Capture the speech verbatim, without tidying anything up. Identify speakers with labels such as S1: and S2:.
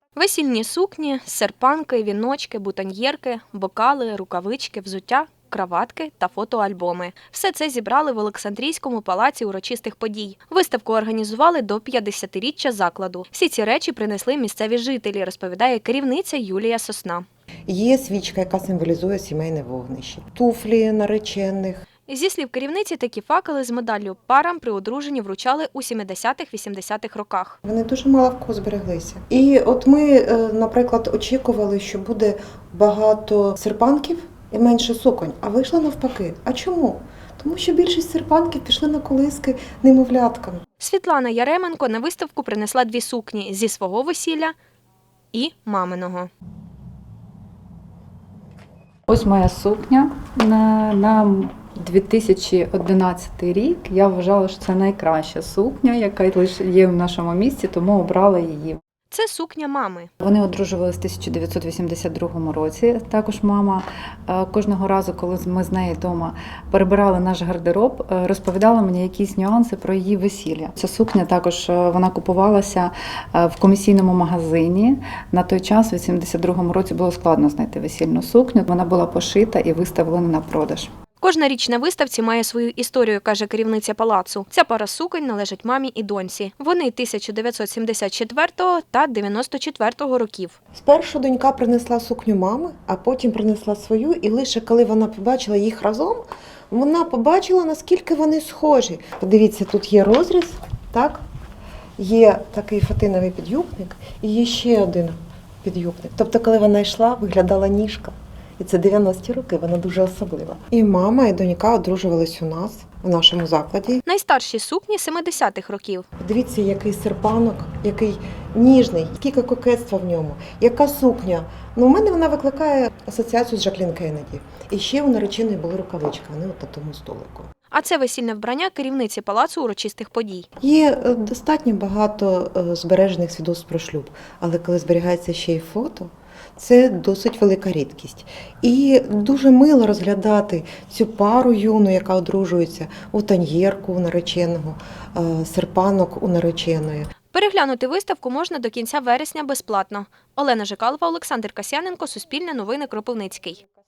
S1: Весільні сукні, серпанки, віночки, бутоньєрки, бокали, рукавички, взуття, краватки та фотоальбоми. Все це зібрали в Олександрійському палаці урочистих подій. Виставку організували до п'ятдесятиріччя закладу. Всі ці речі принесли місцеві жителі, розповідає керівниця Юлія Сосна.
S2: Є свічка, яка символізує сімейне вогнище, туфлі наречених.
S1: Зі слів керівниці, такі факели з медаллю парам при одруженні вручали у сімдесятих-вісімдесятих роках.
S2: Вони дуже мало в кого збереглися. І от ми, наприклад, очікували, що буде багато серпанків і менше суконь, а вийшло навпаки. А чому? Тому що більшість серпанків пішли на колиски немовляткам.
S1: Світлана Яременко на виставку принесла дві сукні зі свого весілля і маминого.
S3: Ось моя сукня на, на дві тисячі одинадцятий рік. Я вважала, що це найкраща сукня, яка лише є в нашому місті, тому обрала її.
S1: Це сукня мами.
S3: Вони одружувалися в тисяча дев'ятсот вісімдесят другому році. Також мама кожного разу, коли ми з нею вдома перебирали наш гардероб, розповідала мені якісь нюанси про її весілля. Ця сукня також вона купувалася в комісійному магазині. На той час, в вісімдесят другому році, було складно знайти весільну сукню. Вона була пошита і виставлена на продаж.
S1: Кожна річ на виставці має свою історію, каже керівниця палацу. Ця пара суконь належить мамі і доньці. Вони тисяча дев'ятсот сімдесят четвертого та дев'яносто четвертого років.
S2: Спершу донька принесла сукню мами, а потім принесла свою, і лише коли вона побачила їх разом, вона побачила, наскільки вони схожі. Подивіться, тут є розріз, так? Є такий фатиновий підюбник і є ще один підюбник. Тобто, коли вона йшла, виглядала ніжка. І це дев'яності роки, вона дуже особлива. І мама, і донька одружувались у нас, в нашому закладі.
S1: Найстарші сукні семидесятих років.
S2: Дивіться, який серпанок, який ніжний, скільки кокетства в ньому, яка сукня. Ну, у мене вона викликає асоціацію з Жаклін Кеннеді. І ще у нареченої були рукавички, вони от на тому столику.
S1: А це весільне вбрання керівниці палацу урочистих подій.
S2: Є достатньо багато збережених свідоцтв про шлюб, але коли зберігається ще й фото, це досить велика рідкість. І дуже мило розглядати цю пару юну, яка одружується, бутоньєрку у нареченого, серпанок у нареченої.
S1: Переглянути виставку можна до кінця вересня безплатно. Олена Жикалова, Олександр Касьяненко, Суспільне новини, Кропивницький.